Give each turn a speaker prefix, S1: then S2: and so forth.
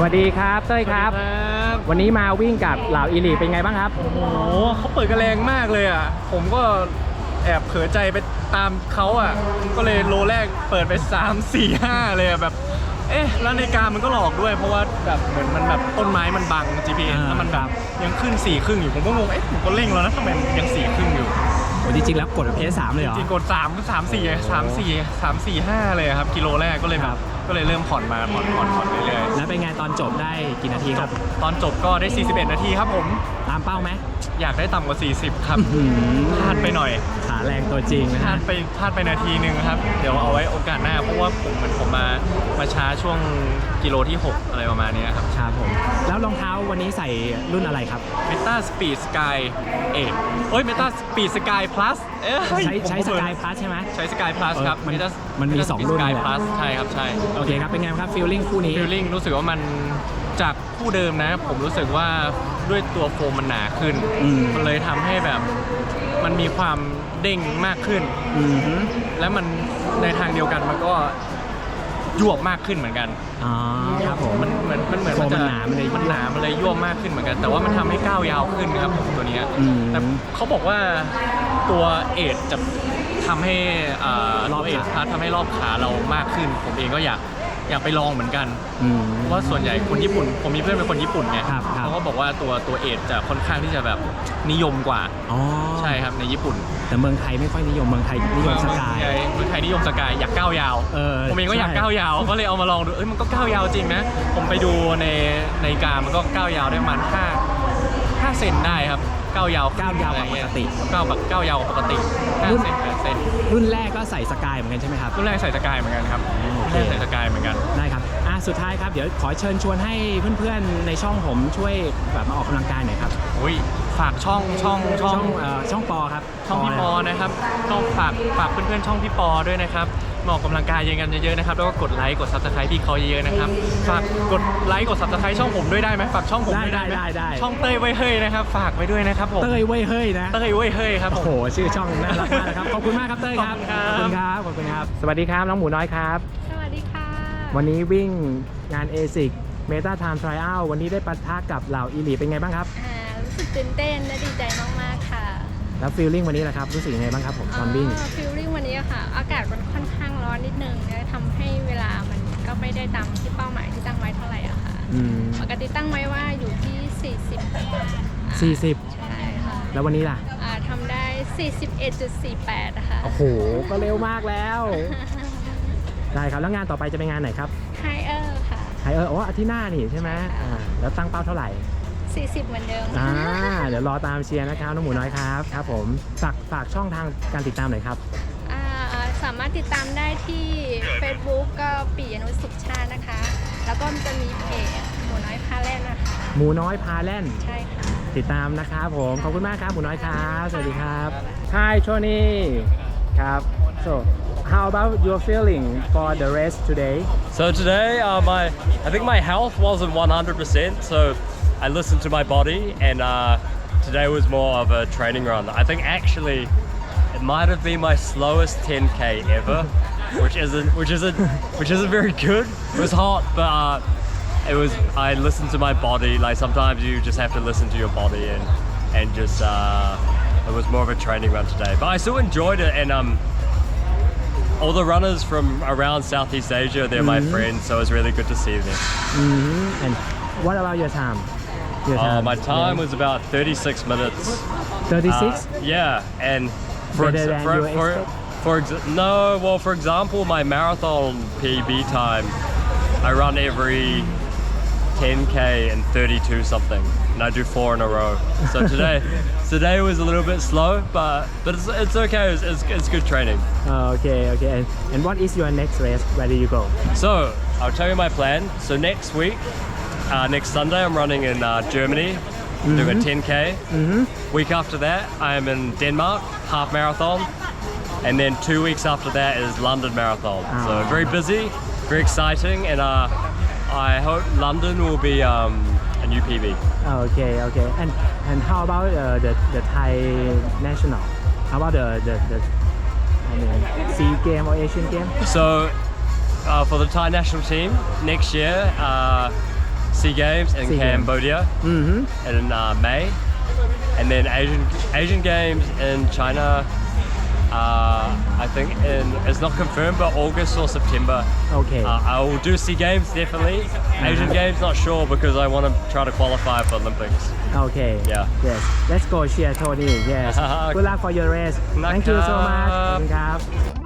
S1: วัสดีครับเต้ยครับวันนี้มาวิ่งกับเหล่าอีลีเป็นไงบ้างครับ
S2: โอ้โหเขาเปิดกระแรงมากเลยอ่ะผมก็แอบเผลอใจไปตามเขาอ่ะก็เลยโลแรกเปิดไป3 4 5เลยอ่ะแบบแล้วนาฬิกามันก็หลอกด้วยเพราะว่าแบบเหมือนมันแบบต้นไม้มันบัง GPS แล้วมันแบบยังขึ้น4 ครึ่งอยู่ผมก็งงผมก็เร่งแล้วนะทำไมยัง4 ครึ่งอยู่
S1: จริงๆแล้วกดเพจ3เลยเหรอ
S2: จริงๆกด3 4 5เลยครับกิโลแรกก็เลยแบบก็เลยเริ่มผ่อนมาผ่อนเรื่อย
S1: ๆแล้วเป็นไงตอนจบได้กี่นาทีครับ
S2: ตอนจบก็ได้41 นาทีครับผม
S1: ตามเป้าไหม
S2: อยากได้ต่ำกว่า40ครับพลาดไปหน่อย
S1: ขาแรงตัวจริงนะ
S2: พลาดไปนาทีนึงครับเดี๋ยวเอาไว้โอกาสหน้าเพราะว่าผมมาช้าช่วงกิโลที่6อะไรประมาณนี้ครับ
S1: ครับผมแล้วรองเท้าวันนี้ใส่รุ่นอะไรครับ
S2: Meta Speed Sky 8 Meta Speed Sky Plus
S1: ใช้ Sky Plus ใช่ไหม
S2: ใช้ Sky Plus ครับ
S1: มันมี2รุ่น
S2: Sky Plus ใช่ครับใช่
S1: โอเคครับเป็นไงครับฟีลลิ่งคู่นี้
S2: ฟีลลิ่งรู้สึกว่ามันจากคู่เดิมนะผมรู้สึกว่าด้วยตัวโฟมมันหนาขึ้นมันเลยทำให้แบบมันมีความเด้งมากขึ้นและมันในทางเดียวกันมันก็ยวบมากขึ้นเหมือนกัน
S1: ครับผม
S2: มันเหมือนมันหนามันเลยยวบมากขึ้นเหมือนกันแต่ว่ามันทำให้ก้าวยาวขึ้นครับผมตัวนี้แต่เขาบอกว่าตัวเอทจะทำให้รอบเอททำให้รอบขาเรามากขึ้นผมเองก็อยากไปลองเหมือนกันเพราะว่าส่วนใหญ่คนญี่ปุ่นผมมีเพื่อนเป็นคนญี่ปุ่นไงเขาก็บอกว่าตัวเอทจะค่อนข้างที่จะแบบนิยมกว่าใช่ครับในญี่ปุ่น
S1: แต่เมืองไทยไม่ค่อยนิยมเมืองไทยนิยมสกาย
S2: เมืองไทยนิยมสกายอยากก้าวยาวผมเองก็อยากก้าวยาวก็เลยเอามาลองดูมันก็ก้าวยาวจริงนะผมไปดูในการมันก็ก้าวยาวได้ประมาณ5 เซนได้ครับก้าวยาว
S1: ปกติ
S2: ก้าวยาวปกติ5 เซน8 เซน
S1: รุ่นแรกก็ใส่สกายเหมือนกันใช่ไหมครับ
S2: รุ่นแรกใส่สกายเหมือนกันครับรุ่นแรกใส่สกายเหมือนกัน
S1: ได้ครับสุดท้ายครับเดี๋ยวขอเชิญชวนให้เพื่อนๆในช่องผมช่วยแบบมาออกกำลังกายหน่อยครับ
S2: ฝากช่อง
S1: ปอครับ
S2: ช่องพี่ปอนะครับต้องฝากเพื่อนๆช่องพี่ปอด้วยนะครับมาออกกำลังกายกันเยอะๆนะครับแล้วก็กดไลค์กด Subscribe พี่เขาเยอะๆนะครับฝากกดไลค์กด Subscribe ช่องผมด้วยได้ไหมฝากช่องผมด้วยได้ช่องเต้ยเว้ยเฮ้ยนะครับฝากไว้ด้วยนะครับผม
S1: เต้ยเว้ยเฮ้ยนะ
S2: เต้ยเว้ยเฮ้ยครับ
S1: โอ้โหชื่อช่องน่ารักมากนะครับขอบคุณมากครับเต้ยครับขอบคุณครับสวัสดีครับน้องหมูน้อยครับ
S3: สวัสดีค่ะ
S1: วันนี้วิ่งงาน ASICS Meta Time Trial วันนี้ได้ปะทะกับเหล่าอีลีเป็นไงบ้างครับ
S3: รู้สึกตื่นเต้นและดีใจมากๆค่ะ
S1: แล้วฟีลลิ่งวันนี้นะครับรู้สึกยังไงบ้างครับผมตอนวิ่ง
S3: ฟีลลิ่งวันนี้ค่ะอากาศมันค่อนข้างร้อนนิดนึงทำให้เวลามันก็ไม่ได้ตามที่เป้าหมายที่ตั้งไว้เท่าไหร่อะค่ะปกติตั้งไว้ว่าอยู่ที่40ใช่ค่ะ
S1: แล้ววันนี้ล่ะ
S3: ทำได้ 41.48 นะคะ
S1: โอ้โหก็เร็วมากแล้วได้ครับแล้วงานต่อไปจะเป็นงานไหนครับ
S3: ไฮเออร์ค่ะ
S1: ไฮเออร์อาทิตย์หน้านี่ใช่ไหมแล้วตั้งเป้าเท่าไหร่
S3: 40เหมือนเดิม
S1: เดี๋ยวรอตามเชียร์นะครับน้องหมูน้อยครับครับผมฝากช่องทางการติดตามหน่อยครับ
S3: สามารถติดตามได้ที่ Facebook ก็ปิยนุชสุขชาตินะคะแล้วก็จะมีเพจหมูน้อยพาแล่นนะคะ
S1: หมูน้อยพาแล่น
S3: ใช่ค่ะ
S1: ติดตามนะครับผมขอบคุณมากครับหมูน้อยครับสวัสดีครับ Hi Tony ครับ so how about your feeling for the race today
S4: so today I think my health wasn't 100% so I listened to my body and today was more of a training run. I think actually it might have been my slowest 10k ever, which isn't very good. It was hot, but I listened to my body. Like sometimes you just have to listen to your body and just it was more of a training run today. But I still enjoyed it and all the runners from around Southeast Asia, they're my friends, so it was really good to see them.
S1: And what about your time?
S4: My time was about 36 minutes.
S1: 36?
S4: Yeah, and for example, my marathon PB time, I run every 10k and 32 something, and I do 4 in a row. So today was a little bit slow, but it's okay. It's good training.
S1: Okay. And what is your next race? Where do you go?
S4: So I'll tell you my plan. So next week. Next Sunday I'm running in Germany, doing a 10k. Week after that I'm in Denmark, half marathon, and then 2 weeks after that is London Marathon. So very busy, very exciting, and I hope London will be a new PB.
S1: Okay. And how about the Thai national? How about the SEA game or Asian game?
S4: So for the Thai national team next year. SEA Games in
S1: SEA Games.
S4: Cambodia in May, and then Asian Games in China. I think it's not confirmed, but August or September.
S1: Okay.
S4: I will do SEA Games definitely. Asian Games not sure because I want to try to qualify for Olympics.
S1: Okay.
S4: Yeah.
S1: Yes. Let's go cheer Tony. Yes. Good luck for your race. Thank you so much. ขอบคุณครับ